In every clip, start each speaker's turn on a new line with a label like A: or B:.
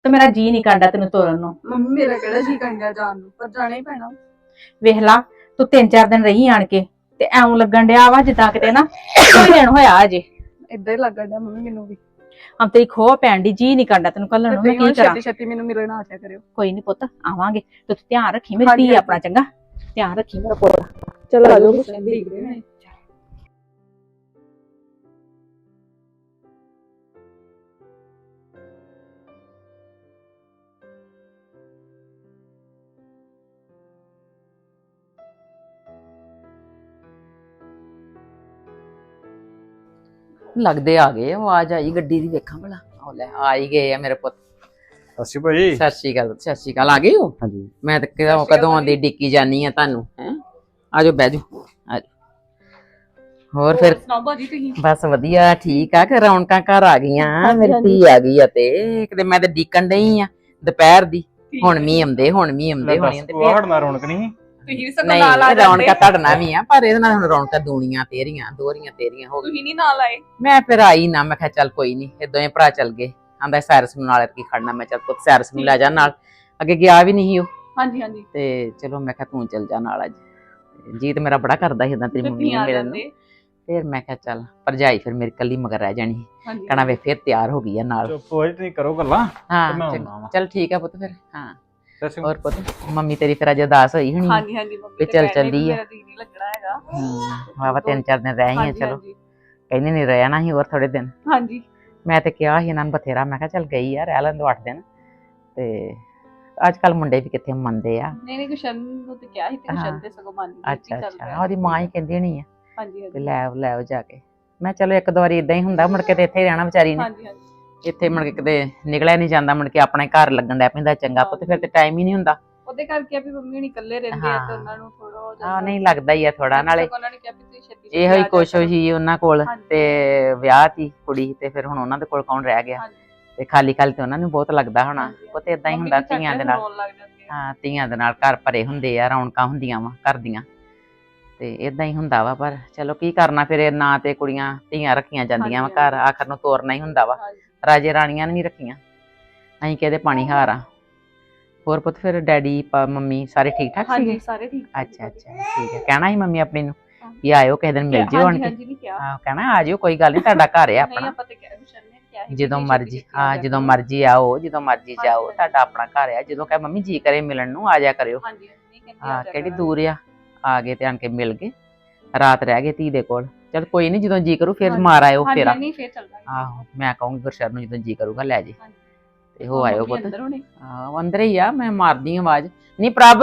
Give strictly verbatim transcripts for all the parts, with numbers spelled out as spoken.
A: ਤੇ ਮੇਰਾ ਜੀ ਨਹੀਂ ਕਰਦਾ ਤੈਨੂੰ ਤੋਰਨ ਨੂੰ।
B: ਮੰਮੀ ਮੇਰਾ ਕਿਹੜਾ ਜੀ ਕਰਦਾ ਜਾਣ ਨੂੰ, ਪਰ ਜਾਣਾ ਹੀ ਪੈਣਾ।
A: ਵੇਖ ਲਾ ਤੂੰ ਤਿੰਨ ਚਾਰ ਦਿਨ ਰਹੀ ਆਣ ਕੇ ਤੇ ਐਉਂ ਲੱਗਣ ਡਿਆ ਵਾ ਜਿੱਦਾਂ ਕਿਤੇ ਨਾ ਕੋਈ ਦਿਨ ਹੋਇਆ ਅਜੇ।
B: ਏਦਾਂ ਹੀ ਲੱਗਣ ਡਿਆ ਮੰਮੀ ਮੈਨੂੰ ਵੀ।
A: ਹਮ ਤੇਰੀ ਖੋਹ ਪੈਣ ਦੀ, ਜੀ ਨਹੀਂ ਕਰਦਾ ਤੈਨੂੰ ਘੱਲਣ ਨੂੰ। ਮੈਂ ਕੀ ਕਰਾਂ?
B: ਛੇਤੀ ਛੇਤੀ ਮੈਨੂੰ ਮਿਲਣ ਆ ਜਾ ਕਰਿਓ।
A: ਕੋਈ ਨਹੀਂ ਪੁੱਤ, ਆਵਾਂਗੇ। ਤੂੰ ਧਿਆਨ ਰੱਖੀ ਮੇਰੀ ਧੀ ਆਪਣਾ, ਚੰਗਾ ਧਿਆਨ ਰੱਖੀ ਮੇਰਾ ਪੁੱਤ।
B: ਚਲੋ ਆ ਜਾਓ, ਦੇਖਦੇ ਨੇ।
C: ਲੱਗਦੇ ਆ ਗਏ, ਆਵਾਜ਼ ਆਈ ਗੱਡੀ ਦੀ, ਵੇਖਾਂ ਭਲਾ। ਉਹ ਲੈ ਆ ਹੀ ਗਏ ਆ ਮੇਰੇ ਪੁੱਤ।
D: ਸਤਿ ਸ਼੍ਰੀ ਅਕਾਲ ਜੀ।
C: ਸਤਿ ਸ਼੍ਰੀ ਅਕਾਲ, ਸਤਿ ਸ਼੍ਰੀ ਅਕਾਲ। ਆ ਗਏ ਹੋ?
D: ਹਾਂਜੀ।
C: ਮੈਂ ਤਾਂ ਕਦੋਂ ਕਦੋਂ ਦੀ ਡਿੱਕੀ ਜਾਨੀ ਆ ਤੁਹਾਨੂੰ। ਹੈ ਆਜੋ ਬਹਿ ਜਾਓ, ਆਜੋ। ਹੋਰ ਫਿਰ
B: ਸੁਣਾਓ ਬਾਜੀ ਤੁਸੀਂ?
C: ਬਸ ਵਧੀਆ, ਠੀਕ ਆ। ਕਿ ਰੌਣਕਾਂ ਘਰ ਆ ਗਈਆਂ, ਮੇਰੀ ਧੀ ਆ ਗਈ ਆ। ਤੇ ਕਿਤੇ ਮੈਂ ਤੇ ਡੀਕਣ ਡਈ ਆ ਦੁਪਹਿਰ ਦੀ, ਹੁਣ ਮੀਂਹ ਆਉਂਦੇ ਹੁਣ ਮੀਂਹ ਆਉਂਦੇ ਹੋਣੇ ਤੇ
D: ਉਹ ਹਟਣਾ ਰੌਣਕ ਨਹੀਂ।
B: ਤੁਸੀਂ ਵੀ ਸਗੋਂ ਨਾਲ ਆ
C: ਨਹੀਂ,
B: ਜਾਂਦੇ।
C: ਰੌਣਕਾਂ ਤੁਹਾਡਾ ਵੀ ਆ, ਪਰ ਇਹਦੇ ਨਾਲ ਹੁਣ ਰੌਣਕਾਂ ਦੂਣੀਆਂ ਤੇਰੀਆਂ ਦੋਹਰੀਆਂ ਤੇਰੀਆਂ ਹੋ ਗਈਆਂ।
B: ਤੁਸੀਂ ਨਹੀਂ ਨਾਲ ਆਏ?
C: ਮੈਂ ਫਿਰ ਆਈ ਨਾ, ਮੈਂ ਕਿਹਾ ਚੱਲ ਕੋਈ ਨਹੀਂ, ਇਹ ਦੋਵੇਂ ਭਰਾ ਚੱਲ ਗਏ। ਆਂਦਾ ਸੈਰਸ ਨੂੰ ਨਾਲ ਕੀ ਖੜਨਾ, ਮੈਂ ਚੱਲ ਪੁੱਤ ਸੈਰਸ ਨੂੰ ਲੈ ਜਾ ਨਾਲ, ਅੱਗੇ ਗਿਆ ਵੀ ਨਹੀਂ ਉਹ।
B: ਹਾਂਜੀ ਹਾਂਜੀ।
C: ਤੇ ਚਲੋ ਮੈਂ ਕਿਹਾ ਤੂੰ ਚੱਲ ਜਾ ਨਾਲ। ਅੱਜ ਜੀਤ ਮੇਰਾ ਬੜਾ ਕਰਦਾ ਸੀ ਏਦਾਂ ਤੇਰੀ ਮੰਮੀ ਨੂੰ ਮਿਲਣ ਨੂੰ। ਫਿਰ ਮੈਂ ਕਿਹਾ ਚੱਲ ਭਰਜਾਈ ਫਿਰ ਮੇਰੀ ਕੱਲੀ ਮਗਰ ਰਹਿ ਜਾਣੀ, ਕਹਿਣਾ ਵੇ ਫਿਰ ਤਿਆਰ ਹੋ ਗਈ ਆ ਨਾਲ।
D: ਚੁੱਪ ਹੋ ਜਾ, ਤੁਸੀਂ ਕਰੋ ਗੱਲਾਂ।
C: ਹਾਂ ਚੱਲ ਠੀਕ ਆ ਪੁੱਤ ਫਿਰ। ਹਾਂ ਹੋਰ ਪੁੱਤ, ਮੰਮੀ ਤੇਰੀ ਫਿਰ ਅੱਜ ਉਦਾਸ ਹੋਈ ਹੋਣੀ?
B: ਹਾਂਜੀ ਹਾਂਜੀ ਮੰਮੀ
C: ਤੇ ਚੱਲ ਚੱਲੀ ਆ।
B: ਮੇਰਾ ਜੀ ਨਹੀਂ ਲੱਗਣਾ ਹੈਗਾ।
C: ਹੂੰ ਵਾਵਾ ਤਿੰਨ ਚਾਰ ਦਿਨ ਰਹਿ ਆਈ ਆ। ਚਲੋ ਕਹਿੰਦੇ ਨਹੀਂ ਰਹਿਣਾ ਸੀ ਹੋਰ ਥੋੜੇ ਦਿਨ।
B: ਹਾਂਜੀ
C: ਮੈਂ ਤੇ ਕਿਹਾ ਸੀ ਇਹਨਾਂ ਨੂੰ ਬਥੇਰਾ, ਮੈਂ ਕਿਹਾ ਚੱਲ ਗਈ ਆ ਰਹਿ ਲੈਣ ਦੋ ਅੱਠ ਦਿਨ। ਤੇ ਅੱਜ ਕੱਲ ਮੁੰਡੇ ਵੀ ਕਿੱਥੇ ਮੰਨਦੇ ਆ।
B: ਨਹੀਂ ਨਹੀਂ ਗੁਸ਼ਨ ਨੂੰ ਤੇ ਕਿਹਾ ਸੀ ਤੇ ਗੁਸ਼ਨ ਤੇ ਸਗੋਂ ਮੰਨ ਗਈ।
C: ਅੱਛਾ ਅੱਛਾ, ਉਹਦੀ ਮਾਂ ਹੀ ਕਹਿੰਦੀ ਹੋਣੀ ਆ
B: ਹਾਂਜੀ
C: ਤੇ
B: ਹਾਂਜੀ
C: ਲੈ ਆਓ ਲੈ ਆਓ ਜਾ ਕੇ। ਮੈਂ ਚਲੋ ਇੱਕ ਦੋ ਵਾਰੀ ਇਦਾਂ ਹੀ ਹੁੰਦਾ, ਮੁੜ ਕੇ ਤੇ ਇੱਥੇ ਹੀ ਰਹਿਣਾ ਵਿਚਾਰੀ ਨੇ।
B: ਹਾਂਜੀ ਹਾਂਜੀ।
C: ਇੱਥੇ ਮੁੜ ਕੇ ਕਿਤੇ ਨਿਕਲਿਆ ਨਹੀਂ ਜਾਂਦਾ, ਮੁੜ ਕੇ ਆਪਣੇ ਘਰ ਲੱਗਣ ਦਾ ਪੈਂਦਾ ਚੰਗਾ ਪੁੱਤ, ਫਿਰ ਤੇ ਟਾਈਮ ਹੀ ਨਹੀਂ ਹੁੰਦਾ।
B: ਉਹਦੇ ਕਰਕੇ ਵੀ ਮੰਮੀ ਹੁਣੀ ਇਕੱਲੇ ਰਹਿੰਦੇ ਆ ਤੇ ਉਹਨਾਂ ਨੂੰ ਥੋੜਾ ਹੋ ਜਾਂਦਾ।
C: ਹਾਂ ਨਹੀਂ ਲੱਗਦਾ ਹੀ ਆ ਥੋੜਾ, ਨਾਲੇ
B: ਉਹਨਾਂ ਨੇ ਕਿਹਾ ਵੀ ਤੁਸੀਂ ਛੇਤੀ
C: ਇਹੋ ਹੀ ਕੁਛ ਹੋਈ ਉਹਨਾਂ ਕੋਲ।
B: ਹਾਂਜੀ।
C: ਤੇ ਵਿਆਹ ਤੀ ਕੁੜੀ ਤੇ ਫਿਰ ਹੁਣ ਉਹਨਾਂ ਦੇ ਕੋਲ ਕੌਣ ਰਹਿ ਗਿਆ, ਤੇ ਖਾਲੀ ਖਾਲੀ ਤੇ ਉਹਨਾਂ ਨੂੰ ਬਹੁਤ ਲੱਗਦਾ ਹੋਣਾ। ਪੁੱਤ ਏਦਾਂ ਹੀ ਹੁੰਦਾ ਧੀਆਂ ਦੇ ਨਾਲ। ਹਾਂ ਧੀਆਂ ਦੇ ਨਾਲ ਘਰ ਭਰੇ ਹੁੰਦੇ ਆ, ਰੌਣਕਾਂ ਹੁੰਦੀਆਂ ਵਾ ਘਰ ਦੀਆਂ, ਤੇ ਏਦਾਂ ਹੀ ਹੁੰਦਾ ਵਾ। ਪਰ ਚਲੋ ਕੀ ਕਰਨਾ, ਫਿਰ ਨਾ ਤੇ ਕੁੜੀਆਂ ਧੀਆਂ ਰੱਖੀਆਂ ਜਾਂਦੀਆਂ ਵਾ ਘਰ, ਆਖਰ ਨੂੰ ਤੋਰਨਾ ਹੀ ਹੁੰਦਾ ਵਾ। ਰਾਜੇ ਰਾਣੀਆਂ ਨੇ ਨਹੀਂ ਰੱਖੀਆਂ, ਅਸੀਂ ਕਿਹਦੇ ਪਾਣੀ ਹਾਰ ਆ। ਹੋਰ ਪੁੱਤ ਫਿਰ ਡੈਡੀ ਮੰਮੀ ਸਾਰੇ ਠੀਕ ਠਾਕ ਸੀਗੇ?
B: ਹਾਂਜੀ ਸਾਰੇ ਠੀਕ।
C: ਅੱਛਾ ਅੱਛਾ ਠੀਕ ਹੈ। ਕਹਿਣਾ ਸੀ ਮੰਮੀ ਆਪਣੀ ਨੂੰ ਵੀ ਆਇਓ ਕਿਸੇ ਦਿਨ ਮਿਲ ਜਿਓ ਆਣ ਕੇ। ਹਾਂ ਕਹਿਣਾ ਆ ਜਿਓ, ਕੋਈ ਗੱਲ ਨਹੀਂ, ਤੁਹਾਡਾ ਘਰ ਹੈ ਆਪਣਾ, ਜਦੋਂ ਮਰਜੀ। ਹਾਂ ਜਦੋਂ ਮਰਜੀ ਆਓ, ਜਦੋਂ ਮਰਜੀ ਜਾਓ, ਤੁਹਾਡਾ ਆਪਣਾ ਘਰ ਆ। ਜਦੋਂ ਕਹੇ ਮੰਮੀ ਜੀ ਕਰੇ ਮਿਲਣ ਨੂੰ ਆ ਜਾ ਕਰਿਓ। ਹਾਂ ਕਿਹੜੀ ਦੂਰ ਆ, ਆ ਗਏ ਤੇ ਆਣ ਕੇ ਮਿਲ ਗਏ, ਰਾਤ ਰਹਿ ਗਏ ਧੀ ਦੇ ਕੋਲ। ਚਲ ਕੋਈ ਨਹੀਂ, ਜਦੋਂ ਜੀ ਕਰੂ ਫਿਰ ਮਾਰ ਆਇਓ ਫੇਰ। ਆਹੋ ਮੈਂ ਕਹੂੰਗੀ ਗੁਰਸ਼ਰਨ ਨੂੰ ਜਦੋਂ ਜੀ ਕਰੂਗਾ ਲੈ ਜੇ ਤੇ ਹੋ ਆਇਓ ਪੁੱਤ। ਹਾਂ ਅੰਦਰ ਹੀ ਆ, ਮੈਂ ਮਾਰਦੀ ਆਵਾਜ਼। ਨਹੀਂ ਪ੍ਰਭ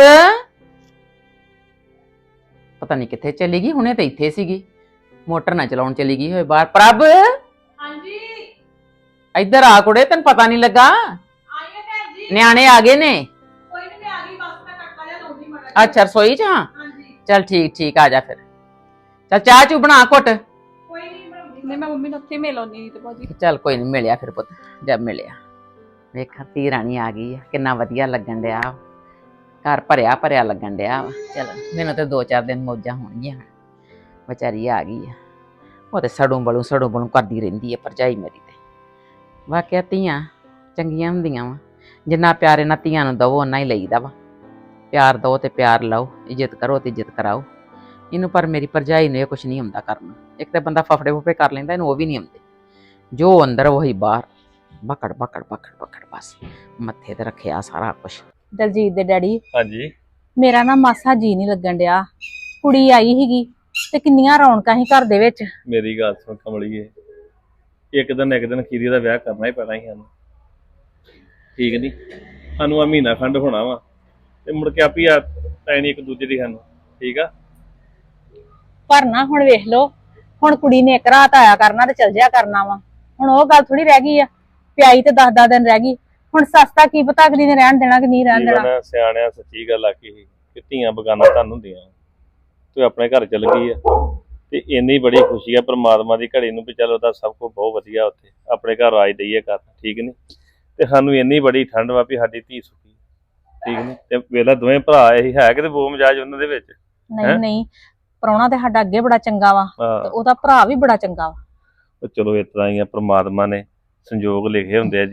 C: ਪਤਾ ਨਹੀਂ ਕਿੱਥੇ ਚਲੀ ਗਈ, ਹੁਣੇ ਤਾਂ ਇੱਥੇ ਸੀਗੀ, ਮੋਟਰ ਨਾ ਚਲਾਉਣ ਚਲੀ ਗਈ ਹੋਏ ਬਾਹਰ। ਪ੍ਰਭ
B: ਹਾਂਜੀ
C: ਇੱਧਰ ਆ ਕੁੜੇ, ਤੈਨੂੰ ਪਤਾ ਨਹੀਂ ਲੱਗਾ?
B: ਆਈਏ ਭੈਣ ਜੀ,
C: ਨਿਆਣੇ ਆ ਗਏ ਨੇ।
B: ਕੋਈ ਨਹੀਂ ਮੈਂ ਆ ਗਈ, ਬਸ ਮੈਂ ਕੱਟਾ ਜਾ ਲਾਉਂਦੀ ਮੜਾ।
C: ਅੱਛਾ ਰਸੋਈ ਚ? ਹਾਂ
B: ਹਾਂਜੀ
C: ਚਲ ਠੀਕ ਠੀਕ, ਆ ਜਾ ਫਿਰ। ਚਲ ਚਾਹ ਚੂ ਬਣਾ ਘੁੱਟ।
B: ਕੋਈ ਨਹੀਂ ਬਣਾਉਂਦੀ। ਨਹੀਂ ਮੈਂ ਮੰਮੀ ਨੂੰ ਉੱਥੇ ਮਿਲ ਆਉਣੀ ਤੇ ਬਾਜੀ।
C: ਚੱਲ ਕੋਈ ਨਹੀਂ, ਮਿਲਿਆ ਫਿਰ ਪੁੱਤ, ਜਦ ਮਿਲਿਆ। ਵੇਖਾਂ ਧੀ ਰਾਣੀ ਆ ਗਈ ਆ, ਕਿੰਨਾ ਵਧੀਆ ਲੱਗਣ ਡਿਆ, ਘਰ ਭਰਿਆ ਭਰਿਆ ਲੱਗਣ ਡਿਆ ਵਾ। ਚਲ ਮੈਨੂੰ ਤੇ ਦੋ ਚਾਰ ਦਿਨ ਮੌਜਾਂ ਹੋਣਗੀਆਂ, ਵਿਚਾਰੀ ਆ ਗਈ ਆ। ਉਹ ਤੇ ਸੜੋਂ ਬਲੂ ਸੜੋਂ ਬਲੂ ਕਰਦੀ ਰਹਿੰਦੀ ਆ ਭਰਜਾਈ ਮੇਰੀ ਤੇ। ਵਾਕਿਆ ਧੀਆਂ ਚੰਗੀਆਂ ਹੁੰਦੀਆਂ ਵਾ, ਜਿੰਨਾ ਪਿਆਰ ਇਹਨਾਂ ਧੀਆਂ ਨੂੰ ਦਵੋ ਓਨਾ ਹੀ ਲਈਦਾ ਵਾ। ਪਿਆਰ ਦਓ ਤੇ ਪਿਆਰ ਲਓ, ਇੱਜ਼ਤ ਕਰੋ ਤੇ ਇੱਜ਼ਤ ਕਰਾਓ ਇਹਨੂੰ। ਪਰ ਮੇਰੀ ਭਰਜਾਈ ਨੂੰ ਇਹ ਕੁਛ ਨਹੀਂ ਹੁੰਦਾ ਕਰਨਾ। ਇੱਕ ਤਾਂ ਬੰਦਾ ਫਫੜੇ ਫੁਫੜੇ ਕਰ ਲੈਂਦਾ, ਇਹਨੂੰ ਉਹ ਵੀ ਨਹੀਂ ਆਉਂਦੇ। ਜੋ ਅੰਦਰ ਉਹੀ ਬਾਹਰ, ਬਕੜ ਬਕੜ ਬਕੜ ਬਕੜ, ਬਸ ਮੱਥੇ ਤੇ ਰੱਖਿਆ ਸਾਰਾ ਕੁਛ।
A: ਦਲਜੀਤ ਦੇ ਡੈਡੀ
D: ਹਾਂਜੀ
A: ਮੇਰਾ ਨਾ ਮਾਸਾ ਜੀ ਨਹੀਂ ਲੱਗਣ ਡਿਆ। ਕੁੜੀ ਆਈ ਸੀਗੀ ਤੇ ਕਿੰਨੀਆਂ ਰੌਣਕਾਂ ਸੀ ਘਰ ਦੇ ਵਿੱਚ।
D: ਮੇਰੀ ਗੱਲ ਸੁਣ ਕਮਲੀਏ, ਇੱਕ ਦਿਨ ਇੱਕ ਦਿਨ ਖੀਰੀ ਦਾ ਵਿਆਹ ਕਰਨਾ ਹੀ ਪੈਣਾ ਸੀ ਸਾਨੂੰ, ਠੀਕ ਨਹੀਂ? ਸਾਨੂੰ ਆ ਮਹੀਨਾ ਖੰਡ ਹੋਣਾ ਵਾ ਤੇ ਮੁੜ ਕੇ ਆਪੀ ਆ ਪੈਣੀ ਇੱਕ ਦੂਜੇ ਦੀ ਸਾਨੂੰ, ਠੀਕ ਆ?
A: ਪਰ ਨਾ ਹੁਣ ਵੇਖ ਲਓ, ਹੁਣ ਕੁੜੀ ਨੇ ਇੱਕ ਰਾਤ ਆਇਆ ਕਰਨਾ ਤੇ ਚਲ ਜਿਆ ਕਰਨਾ ਵਾ। ਹੁਣ ਉਹ ਗੱਲ ਥੋੜੀ ਰਹਿ ਗਈ ਆ, ਪਿਆਈ ਤੇ ਦਸ ਦਸ ਦਿਨ ਰਹਿ ਗਈ। ਹੁਣ ਸਸਤਾ ਕੀ ਪਤਾ ਅਗਲੀ ਨੇ ਰਹਿਣ ਦੇਣਾ ਕਿ ਨਹੀਂ ਰਹਿਣ ਦੇਣਾ।
D: ਸਿਆਣਿਆਂ ਸੱਚੀ ਗੱਲ ਆਖੀ ਸੀ ਕਿ ਧੀਆਂ ਬਗਾਨਾ ਧਨ ਹੁੰਦੀਆਂ। ਤੂੰ ਆਪਣੇ ਘਰ ਚਲ ਗਈ ਆ ਤੇ ਇੰਨੀ ਬੜੀ ਖੁਸ਼ੀ ਆ ਪਰਮਾਤਮਾ ਦੀ ਘੜੀ ਨੂੰ ਵੀ ਚੱਲ ਉਹਦਾ ਸਭ ਕੁਝ ਬਹੁਤ ਵਧੀਆ, ਉੱਥੇ ਆਪਣੇ ਘਰ ਆਜ ਦਈਏ ਕਰ, ਠੀਕ ਨੀ? ਤੇ ਸਾਨੂੰ ਇੰਨੀ ਬੜੀ ਠੰਡ ਵਾ ਵੀ ਸਾਡੀ ਧੀ ਸੁਖੀ, ਠੀਕ ਨੀ? ਤੇ ਵੇਲਾ ਦੋਵੇਂ ਭਰਾ ਇਹੀ ਹੈ ਕਿਤੇ ਬੋ ਮਜਾਜ ਉਹਨਾਂ ਦੇ ਵਿੱਚ।
A: ਨਹੀਂ ਨਹੀਂ, ਪ੍ਰਾਹੁਣਾ ਤੇ ਸਾਡਾ ਅੱਗੇ ਬੜਾ ਚੰਗਾ ਵਾ ਤੇ ਉਹਦਾ ਭਰਾ ਵੀ ਬੜਾ ਚੰਗਾ ਵਾ।
D: ਚਲੋ ਇਸ ਤਰ੍ਹਾਂ ਹੀ ਆ, ਪਰਮਾਤਮਾ ਨੇ ਸੰਜੋਗ ਲਿਖੇ ਹੁੰਦੇ ਆ ਜੀਵਨ,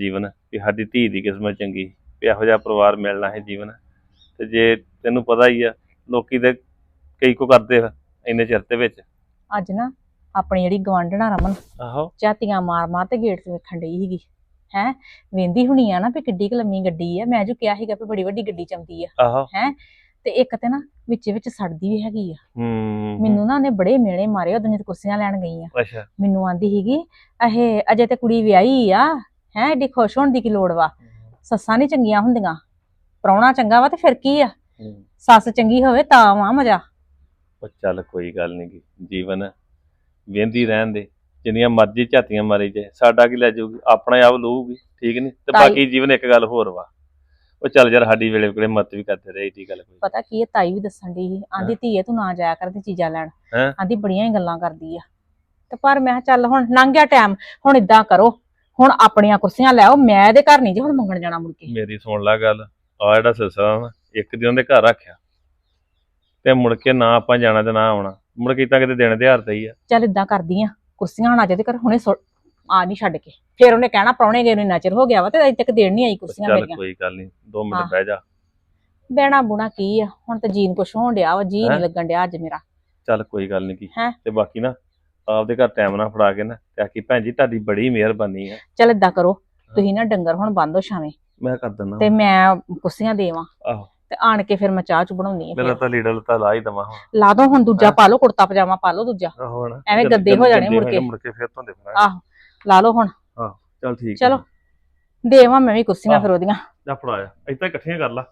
D: ਵੀ ਸਾਡੀ ਧੀ ਦੀ ਕਿਸਮਤ ਚੰਗੀ ਵੀ ਇਹੋ ਜਿਹਾ ਪਰਿਵਾਰ ਮਿਲਣਾ ਹੈ ਜੀਵਨ। ਤੇ ਜੇ ਤੈਨੂੰ ਪਤਾ ਹੀ ਆ ਲੋਕੀ ਤੇ ਕਈ ਕੋ ਕਰਦੇ ਆ ਇੰਨੇ ਚਿਰ ਦੇ ਵਿੱਚ।
A: ਅੱਜ ਨਾ ਆਪਣੀ ਜਿਹੜੀ ਗਵਾਂਢਣਾ ਰਮਨ
D: ਆਹੋ
A: ਝਾਤੀਆਂ ਮਾਰ ਮਾਰ ਤੇ ਗੇਟ ਤੇ ਵੇਖਣ ਡਈ ਸੀਗੀ ਹੈ, ਵੇਂਦੀ ਹੁਣੀ ਆ ਨਾ ਵੀ ਕਿੱਡੀ ਕੁ ਲੰਮੀ ਗੱਡੀ ਆ। ਮੈਂ ਜੋ ਕਿਹਾ ਸੀਗਾ ਵੀ ਬੜੀ ਵੱਡੀ ਗੱਡੀ ਚੰਦੀ ਆ
D: ਆਹੋ
A: ਹੈ, ਤੇ ਇੱਕ ਤੇ ਨਾ ਵਿੱਚ ਵਿੱਚ ਸੜਦੀ ਵੀ ਹੈਗੀ ਆ।
D: ਹੂੰ
A: ਮੈਨੂੰ ਨਾ ਉਹਨੇ ਬੜੇ ਮਿਹਣੇ ਮਾਰੇ ਉਦੋਂ ਜਦ ਕੁਰਸੀਆਂ ਲੈਣ ਗਈ ਆ।
D: ਅੱਛਾ
A: ਮੈਨੂੰ ਆਂਦੀ ਸੀਗੀ ਇਹ ਅਜੇ ਤੇ ਕੁੜੀ ਵਿਆਹੀ ਆ ਹੈ, ਏਡੀ ਖੁਸ਼ ਹੋਣ ਦੀ ਕੀ ਲੋੜ ਵਾ, ਸੱਸਾਂ ਨੀ ਚੰਗੀਆਂ ਹੁੰਦੀਆਂ, ਪ੍ਰਾਹੁਣਾ ਚੰਗਾ ਵਾ ਤੇ ਫਿਰ ਕੀ ਆ,
D: ਹੂੰ।
A: ਸੱਸ ਚੰਗੀ ਹੋਵੇ ਤਾਂ ਵਾ ਮਜ਼ਾ।
D: ਉਹ ਚੱਲ ਕੋਈ ਗੱਲ ਨਹੀਂ, ਜੀਵਨ ਵੇਂਦੀ ਰਹਿਣ ਦੇ, ਜਿੰਨੀਆਂ ਮਰਜ਼ੀ ਝਾਤੀਆਂ ਮਾਰੀ ਜਾਏ ਸਾਡਾ ਕੀ ਲੈ ਜਾਊਗੀ, ਆਪਣਾ ਆਪ ਲਊਗੀ ਠੀਕ ਨਹੀਂ। ਤੇ
A: ਤਾਈ-
D: ਬਾਕੀ ਜੀਵਨ ਇੱਕ ਗੱਲ ਹੋਰ ਵਾ, ਉਹ ਚੱਲ ਯਾਰ ਸਾਡੀ ਵੇਲੇ ਕੋਲੇ ਮਤ ਵੀ ਕਰਦੇ ਰਹੇ ਏਡੀ ਗੱਲ ਕੋਈ।
A: ਪਤਾ ਕੀ ਹੈ, ਤਾਈ ਵੀ ਦੱਸਣ ਦੀ ਸੀ, ਆਂਦੀ ਧੀਏ ਤੂੰ ਨਾ ਜਾਇਆ ਕਰ ਤੇ ਚੀਜ਼ਾਂ ਲੈਣ,
D: ਹੈਂ?
A: ਆਂਦੀ ਬੜੀਆਂ ਹੀ ਗੱਲਾਂ ਕਰਦੀ ਆ। ਤੇ ਪਰ ਮੈਂ ਕਿਹਾ ਚੱਲ ਹੁਣ ਲੰਘ ਗਿਆ ਟਾਈਮ, ਹੁਣ ਇਦਾਂ ਕਰੋ ਹੁਣ ਆਪਣੀਆਂ ਕੁਰਸੀਆਂ ਲੈ ਆਓ, ਮੈਂ ਇਹਦੇ ਘਰ ਨਹੀਂ ਜੀ ਹੁਣ ਮੰਗਣ ਜਾਣਾ ਮੁੜ ਕੇ।
D: ਮੇਰੀ ਸੁਣ ਲੈ ਗੱਲ, ਆ ਜਿਹੜਾ ਸਿਲਸਿਲਾ ਨਾ ਇੱਕ ਦਿਨ ਦੇ ਘਰ ਰੱਖਿਆ ਤੇ ਮੁੜ ਕੇ ਨਾ ਆਪਾਂ ਜਾਣਾ ਤੇ ਨਾ ਆਉਣਾ, ਮੁੜ ਕੇ ਤਾਂ ਕਿਤੇ ਦਿਨ ਦਿਹਾੜ ਤੇ ਹੀ ਆ।
A: ਚੱਲ ਇਦਾਂ ਕਰਦੀ ਆ, ਕੁਰਸੀਆਂ ਹੁਣ ਅੱਜ ਦੇ ਘਰ ਹੁਣੇ ਸੁੱਟ- ਆ ਨਹੀਂ ਛੱਡ ਕੇ, ਫਿਰ ਉਹਨੇ ਕਹਿਣਾ ਪ੍ਰਾਹੁਣੇ ਗਏ ਨੂੰ ਇੰਨਾ ਚਿਰ ਹੋ ਗਿਆ ਵਾ ਤੇ ਅਜੇ ਤੱਕ ਦੇਣ ਨਹੀਂ ਆਈ ਕੁਰਸੀਆਂ
D: ਚੱਲ
A: ਮੇਰੀਆਂ।
D: ਕੋਈ ਗੱਲ ਨਹੀਂ, ਦੋ
A: ਹਾਂ।
D: ਮਿੰਟ ਬਹਿ ਜਾ।
A: ਬਹਿਣਾ ਬੁਣਾ ਕੀ ਆ, ਹੁਣ ਤੇ ਜੀਨ ਕੁਛ ਹੋਣ ਡਿਆ ਵਾ, ਜੀ
D: ਹੈਂ?
A: ਨਹੀਂ ਲੱਗਣ ਡਿਆ ਅੱਜ ਮੇਰਾ।
D: ਚੱਲ ਕੋਈ ਗੱਲ ਨਹੀਂ ਕੀ
A: ਹੈਂ?
D: ਤੇ ਬਾਕੀ ਨਾ ਆਪਦੇ ਘਰ ਟਾਈਮ ਨਾਲ ਫੜਾ ਕੇ ਨਾ ਤੇ ਆਖੀ ਭੈਣ ਜੀ ਤੁਹਾਡੀ ਬੜੀ ਮਿਹਰਬਾਨੀ ਆ।
A: ਚੱਲ ਇਦਾਂ ਕਰੋ ਤੁਸੀਂ ਨਾ ਡੰਗਰ ਹੁਣ ਬੰਦ ਹੋ ਛਾਵੇਂ
D: ਮੈਂ ਕਰ ਦਿੰਦਾ
A: ਤੇ ਮੈਂ ਕੁਰਸੀਆਂ ਦੇਵਾਂ
D: ਆਹੋ
A: ਤੇ ਆਣ ਕੇ ਫਿਰ ਮੈਂ ਚਾਹ ਚ ਬਣਾਉਣੀ ਆ।
D: ਮੇਰਾ ਤਾਂ ਲੀੜਾ ਲੱਤਾ ਲਾ ਹੀ ਦਵਾਂ ਹੁਣ।
A: ਲਾ ਦੋ ਹੁਣ ਦੂਜਾ
D: ਹਾਂ।
A: ਪਾ ਲਓ, ਕੁੜਤਾ ਪਜਾਮਾ ਪਾ ਲਓ ਦੂਜਾ,
D: ਆਹੋ ਹੁਣ
A: ਐਵੇਂ
D: ਜਦ-
A: ਗੱਦੇ
D: ਜਦ-
A: ਹੋ ਜਾਣੇ
D: ਗੱਦੇ
A: ਮੁੜ ਕੇ।
D: ਮੁੜ ਕੇ ਫਿਰ ਧੋਂਦੇ ਫਿਰਾਂਗੇ।
A: ਆਹੋ ਲਾ ਲਓ ਹੁਣ,
D: ਚੱਲ ਠੀਕ
A: ਚਲੋ ਦੇਵਾਂ ਮੈਂ ਵੀ ਕੁਰਸੀਆਂ
D: ਆਹ।
A: ਫਿਰ ਉਹਦੀਆਂ।
D: ਜਾ ਫੜਾਇਆ ਏਦਾਂ ਇਕੱਠੀਆਂ ਕਰ ਲਾ।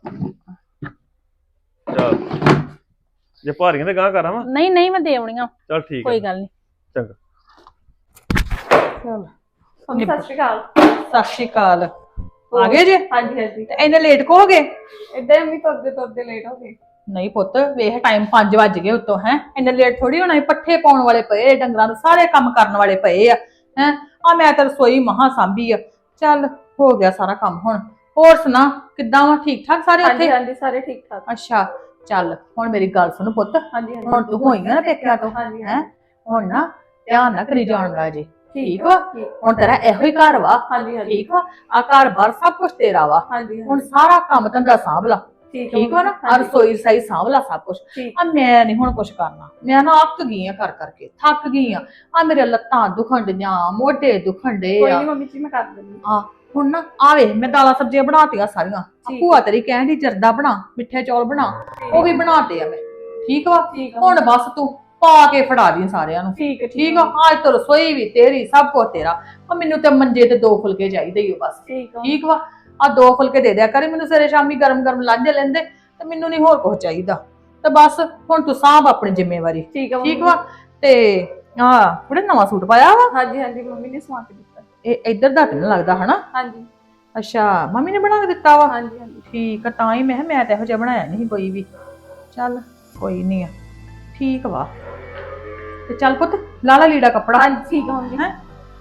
D: ਚੱਲ ਜੇ ਭਾਰੀਆਂ ਤੇ ਗਾਂ ਕਰਾਂ ਵਾ।
A: ਨਹੀਂ ਨਹੀਂ ਮੈਂ ਦੇ ਆਉਣੀਆਂ,
D: ਚੱਲ ਠੀਕ
A: ਕੋਈ
D: ਹੈ
A: ਗੱਲ ਨਹੀਂ।
D: ਚੰਗਾ।
A: ਚਲ
B: ਮੰਮੀ ਸਤਿ ਸ਼੍ਰੀ ਅਕਾਲ।
A: ਸਤਿ ਸ਼੍ਰੀ ਅਕਾਲ। ਆ ਗਏ ਜੇ
B: ਹਾਂਜੀ ਹਾਂਜੀ,
A: ਤੇ ਇੰਨੇ ਲੇਟ ਕੋ ਹੋ ਗਏ?
B: ਏਦਾਂ ਹੀ ਮੰਮੀ ਤੁਰਦੇ ਤੁਰਦੇ ਲੇਟ ਹੋ ਗਏ।
A: ਨਹੀਂ ਪੁੱਤ ਵੇਖ ਟਾਈਮ ਪੰਜ ਵੱਜ ਗਏ ਉੱਤੋਂ ਹੈ, ਇੰਨੇ ਲੇਟ ਥੋੜੀ ਹੋਣਾ ਸੀ, ਪੱਠੇ ਪਾਉਣ ਵਾਲੇ ਪਏ, ਡੰਗਰਾਂ ਨੂੰ ਸਾਰੇ ਕੰਮ ਕਰਨ ਵਾਲੇ ਪਏ ਆ ਹੈ। ਆ ਮੈਂ ਤਾਂ ਰਸੋਈ ਮਹਾ ਸਾਂਭੀ ਆ, ਚੱਲ ਹੋ ਗਿਆ ਸਾਰਾ ਕੰਮ। ਹੁਣ ਹੋਰ ਸੁਣਾ ਕਿੱਦਾਂ ਵਾ, ਠੀਕ ਠਾਕ ਸਾਰੇ
B: ਹਾਂਜੀ
A: ਉੱਥੇ?
B: ਹਾਂਜੀ ਸਾਰੇ ਠੀਕ ਠਾਕ।
A: ਅੱਛਾ ਚੱਲ ਹੁਣ ਮੇਰੀ ਗੱਲ ਸੁਣ ਪੁੱਤ,
B: ਹਾਂਜੀ ਹਾਂਜੀ,
A: ਹੁਣ ਤੂੰ ਹੋਈ ਨਾ ਪੇਕਿਆਂ ਤੋਂ
B: ਹਾਂਜੀ
A: ਹੈ, ਹੁਣ ਨਾ ਧਿਆਨ ਨਾ ਕਰੀ ਜਾਣ ਦਾ ਜੇ, ਠੀਕ ਵਾ?
B: ਠੀਕ।
A: ਹੁਣ ਤੇਰਾ ਇਹੋ ਹੀ ਘਰ ਵਾ,
B: ਹਾਂਜੀ ਹਾਂਜੀ
A: ਠੀਕ ਵਾ? ਆ ਘਰ ਬਾਰ ਸਭ ਕੁਝ ਤੇਰਾ ਵਾ,
B: ਹਾਂਜੀ
A: ਹੁਣ ਸਾਰਾ ਕੰਮ ਧੰਦਾ ਸਾਂਭ ਲਾ,
B: ਠੀਕ
A: ਠੀਕ ਵਾ ਨਾ? ਆ
B: ਹਾਂਜੀ,
A: ਰਸੋਈ ਸਹੀ ਸਾਂਭ ਲਾ ਸਭ ਕੁਝ।
B: ਠੀਕ।
A: ਆ ਮੈਂ ਨਹੀਂ ਹੁਣ ਕੁਝ ਕਰਨਾ, ਮੈਂ ਨਾ ਅੱਕ ਗਈ ਆ ਕਰ ਕਰਕੇ, ਥੱਕ ਗਈ ਆ। ਆ ਮੇਰੇ ਲੱਤਾਂ ਦੁਖਣ ਡੀਆਂ, ਮੋਢੇ ਦੁਖਣ ਡੇ
B: ਕੋਈ
A: ਆ।
B: ਨਹੀਂ ਮੰਮੀ ਜੀ ਮੈਂ ਕਰ ਦਿੰਦੀ।
A: ਆ ਹੁਣ ਨਾ ਆਵੇ ਮੈਂ ਦਾਲਾਂ ਸਬਜ਼ੀਆਂ ਬਣਾਤੀਆਂ ਸਾਰੀਆਂ, ਆ
B: ਠੀਕ।
A: ਭੂਆ ਤੇਰੀ ਕਹਿੰਦੀ ਜਰਦਾ ਬਣਾ, ਮਿੱਠੇ ਚੌਲ ਬਣਾ, ਉਹ ਵੀ ਬਣਾਤੇ ਆ ਮੈਂ, ਠੀਕ ਵਾ?
B: ਠੀਕ ਆ
A: ਹੁਣ ਬਸ ਤੂੰ ਪਾ ਕੇ ਫੜਾ ਦੀ ਸਾਰਿਆਂ ਨੂੰ,
B: ਠੀਕ ਹੈ
A: ਠੀਕ ਆ? ਅੱਜ ਤੋਂ ਰਸੋਈ ਵੀ ਤੇਰੀ, ਸਭ ਕੁਝ ਤੇਰਾ। ਆ ਮੈਨੂੰ ਤੇ ਮੰਜੇ ਤੇ ਦੋ ਫੁਲਕੇ ਚਾਹੀਦੇ ਹੀ ਬਸ,
B: ਠੀਕ ਆ
A: ਠੀਕ ਵਾ? ਆ ਦੋ ਫੁਲਕੇ ਦੇ ਦਿਆ ਕਰੇ ਮੈਨੂੰ ਸਵੇਰੇ ਸ਼ਾਮੀ ਗਰਮ ਗਰਮ ਲਾਂਝੇ ਲੈਂਦੇ, ਤੇ ਮੈਨੂੰ ਨਹੀਂ ਹੋਰ ਕੁਝ ਚਾਹੀਦਾ। ਤੇ ਬਸ ਹੁਣ ਤੂੰ ਸਾਂਭ ਆਪਣੀ ਜ਼ਿੰਮੇਵਾਰੀ,
B: ਠੀਕ ਆ
A: ਠੀਕ
B: ਮੰਮੀ।
A: ਵਾ? ਤੇ ਆ ਕੁੜੇ ਨਵਾਂ ਸੂਟ ਪਾਇਆ ਵਾ,
B: ਹਾਂਜੀ ਹਾਂਜੀ ਮੰਮੀ ਨੇ ਸਵਾ ਕੇ ਦਿੱਤਾ।
A: ਇਹ ਇੱਧਰ ਦਾ ਤੇ ਨੀ ਲੱਗਦਾ ਹਨਾ?
B: ਹਾਂਜੀ
A: ਅੱਛਾ ਮੰਮੀ ਨੇ ਬਣਾ ਕੇ ਦਿੱਤਾ ਵਾ?
B: ਹਾਂਜੀ ਹਾਂਜੀ
A: ਠੀਕ ਆ, ਤਾਂ ਹੀ ਮੈਂ ਕਿਹਾ ਮੈਂ ਤਾਂ ਇਹੋ ਜਿਹਾ ਬਣਾਇਆ ਨਹੀਂ ਕੋਈ ਵੀ। ਚੱਲ ਕੋਈ ਨਹੀਂ ਆ, ਠੀਕ ਵਾ। ਤੇ ਚੱਲ ਪੁੱਤ ਲਾ ਲਾ ਲੀੜਾ ਕੱਪੜਾ।
B: ਹਾਂਜੀ ਠੀਕ ਆ ਮੰਮੀ।
A: ਹੈਂ?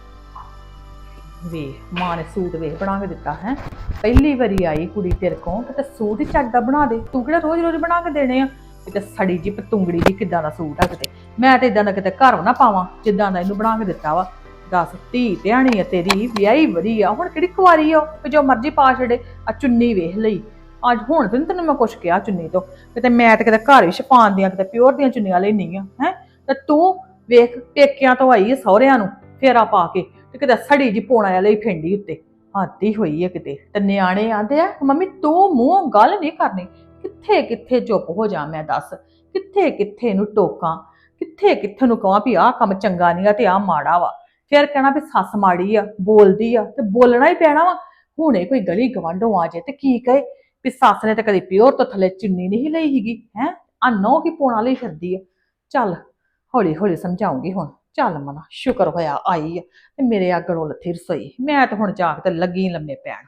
A: ਵੇ ਮਾਂ ਨੇ ਸੂਟ ਵੇਖ ਬਣਾ ਕੇ ਦਿੱਤਾ ਹੈ, ਪਹਿਲੀ ਵਾਰੀ ਆਈ ਕੁੜੀ ਤੇਰੇ ਕੋਲ ਤੇ ਸੂਟ ਹੀ ਚੱਜ ਦਾ ਬਣਾ ਦੇ, ਤੂੰ ਕਿਹੜਾ ਰੋਜ਼ ਰੋਜ਼ ਬਣਾ ਕੇ ਦੇਣੇ ਆ? ਕਿਤੇ ਸੜੀ ਜੀ ਪਤੁੰਗੜੀ ਦੀ ਕਿੱਦਾਂ ਦਾ ਸੂਟ ਆ ਕਿਤੇ, ਮੈਂ ਤੇ ਇਦਾਂ ਦਾ ਕਿਤੇ ਘਰ ਨਾ ਪਾਵਾਂ ਜਿੱਦਾਂ ਦਾ ਇਹਨੂੰ ਬਣਾ ਕੇ ਦਿੱਤਾ ਵਾ। ਦੱਸ ਧੀ ਧਿਆਣੀ ਆ ਤੇਰੀ, ਵਿਆਹੀ ਵਰੀ ਆ, ਹੁਣ ਕਿਹੜੀ ਕੁਆਰੀ ਆ ਕਿ ਜੋ ਮਰਜ਼ੀ ਪਾ ਛੱਡੇ। ਆ ਚੁੰਨੀ ਵੇਖ ਲਈ ਅੱਜ, ਹੁਣ ਤੇ ਨੀ ਤੈਨੂੰ ਮੈਂ ਕੁਛ ਕਿਹਾ ਚੁੰਨੀ ਤੋਂ, ਕਿਤੇ ਮੈਂ ਤੇ ਕਿਤੇ ਘਰ ਹੀ ਛਪਾਉਣ ਦੀਆਂ ਕਿਤੇ ਪਿਓਰ ਦੀਆਂ ਚੁੰਨੀਆਂ ਲੈਣੀਆਂ ਹੈ। ਤੇ ਤੂੰ ਵੇਖ ਪੇਕਿਆਂ ਤੋਂ ਆਈ ਹੈ ਸਹੁਰਿਆਂ ਨੂੰ ਫੇਰਾ ਪਾ ਕੇ, ਤੇ ਕਿਤੇ ਸੜੀ ਜੀ ਪੋਣਾ ਵਾਲੀ ਫੈਂਡੀ ਉੱਤੇ, ਹੱਦ ਹੀ ਹੋਈ ਹੈ ਕਿਤੇ। ਤੇ ਨਿਆਣੇ ਆਂਦੇ ਆ ਮੰਮੀ ਤੂੰ ਮੂੰਹ ਗੱਲ ਨਹੀਂ ਕਰਨੀ, ਕਿੱਥੇ ਕਿੱਥੇ ਚੁੱਪ ਹੋ ਜਾ ਮੈਂ ਦੱਸ, ਕਿੱਥੇ ਕਿੱਥੇ ਨੂੰ ਟੋਕਾਂ, ਕਿੱਥੇ ਕਿੱਥੇ ਨੂੰ ਕਹਾਂ ਵੀ ਆਹ ਕੰਮ ਚੰਗਾ ਨਹੀਂ ਆ ਤੇ ਆਹ ਮਾੜਾ ਵਾ, ਫਿਰ ਕਹਿਣਾ ਵੀ ਸੱਸ ਮਾੜੀ ਆ ਬੋਲਦੀ ਆ, ਤੇ ਬੋਲਣਾ ਹੀ ਪੈਣਾ ਵਾ। ਹੁਣੇ ਕੋਈ ਗਲੀ ਗਵਾਂਢੋਂ ਆ ਜਾਏ ਤੇ ਕੀ ਕਹੇ ਵੀ ਸੱਸ ਨੇ ਤਾਂ ਕਦੀ ਪਿਓਰ ਤੋਂ ਥੱਲੇ ਚੁੰਨੀ ਨਹੀਂ ਲਈ ਹੀਗੀ ਹੈ, ਆ ਨਹੁੰ ਕੀ ਪੋਣਾ ਲਈ ਫਿਰਦੀ ਆ। ਚੱਲ ਹੌਲੀ ਹੌਲੀ ਸਮਝਾਉਂਗੀ ਹੁਣ। ਚੱਲ ਮਨਾ ਸ਼ੁਕਰ ਹੋਇਆ ਆਈ ਆ ਤੇ ਮੇਰੇ ਅੱਗੋਂ ਲੱਥੀ ਰਸੋਈ, ਮੈਂ ਤਾਂ ਹੁਣ ਜਾ ਕੇ ਤੇ ਲੱਗੀ ਲੰਮੇ ਪੈਣ।